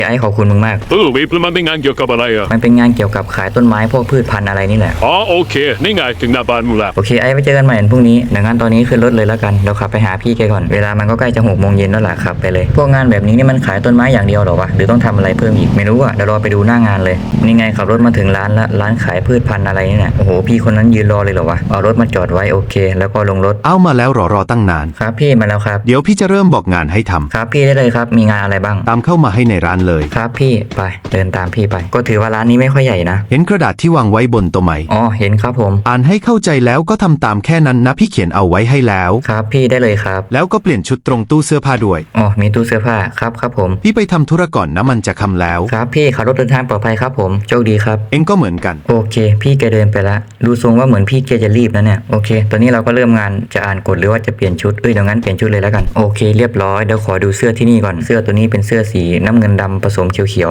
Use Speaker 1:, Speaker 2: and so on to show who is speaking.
Speaker 1: ไอ้ขอบคุณมึงมาก
Speaker 2: วิปแล้วมันเป็นงานเกี่ยวกับอะไรอ่ะ
Speaker 1: มันเป็นงานเกี่ยวกับขายต้นไม้พวกพืชพันธุ์อะไรนี่แหละ
Speaker 2: อ๋อโอเคนี่ไงถึงหน้าบ้านมึงแล้ว
Speaker 1: โอเคไอ้ไปเจอกันใหม่พรุ่งนี้ดังนั้นตอนนี้ขึ้นรถเลยแล้วกันเดี๋ยวขับไปหาพี่แกก่อนเวลามันก็ใกล้จะ6 โมงเย็นแล้วล่ะขับไปเลยพวกงานแบบนี้นี่มันขายต้นไม้อย่างเดียวหรอวะหรือต้องทำอะไรเพิ่มอีกไม่รู้อ่ะเดี๋ยวรอไปดูหน้างานเลยนี่ไงขับรถมาถึงร้านละร้านขายพืชพันธุ์อะไรนี่แหละโอ้โหพี่คนนั้นยืนรอเลยเหรอวะเอารถมาจอดไว้โอเคแล้วก็ลงรถ
Speaker 3: เอามาแล้วรอตั้งนาน
Speaker 1: ครับพี่มาแล้วครับ
Speaker 3: เดี๋ยวพี่จะเริ่มบอกงานให้ทำ
Speaker 1: ครับพี่ได้เลยครับมีงานอะไรบ้าง
Speaker 3: ตามเข้ามาให้ในร้านเลย
Speaker 1: ครับพี่ไปเดินตามพี่ไปก็ถือว่าร้านนี้ไม่ค่อยใหญ่นะ
Speaker 3: เห็นกระดาษที่วางไว้บนโต๊ะไหม
Speaker 1: อ๋อเห็นครับผม
Speaker 3: อ่านให้เข้าใจแล้วก็ทำตามแค่นั้นนะพี่เขียนเอาไว้ให้แล้ว
Speaker 1: ครับพี่ได้เลยครับ
Speaker 3: แล้วก็เปลี่ยนชุดตรงตู้เสื้อผ้าด้วย
Speaker 1: อ๋อมีตู้เสื้อผ้าครับผม
Speaker 3: พี่ไปทำธุระก่อนนะมันจะค่ำแล้ว
Speaker 1: ครับพี่ขับรถเดินทางปลอดภัยครับผมโชคดีครับ
Speaker 3: เองก็เหมือนกัน
Speaker 1: โอเคพี่แกเดินไปละดูทรงว่าเหมือนพี่แกจะรีบนะเนี่ยโอเคตอนนี้เราก็เริ่มงานจะอ่านกฎหรือว่าจะเปลี่ยนชุดเดี๋ยวงั้นเปลี่ยนชุดเลยแล้วกันโอเคเรียบร้อยเดี๋ยวขอดูเสื้อที่นี่ก่อนเสื้อตัวนี้เป็นเสื้อสีน้ำเงินดำผสมเขียว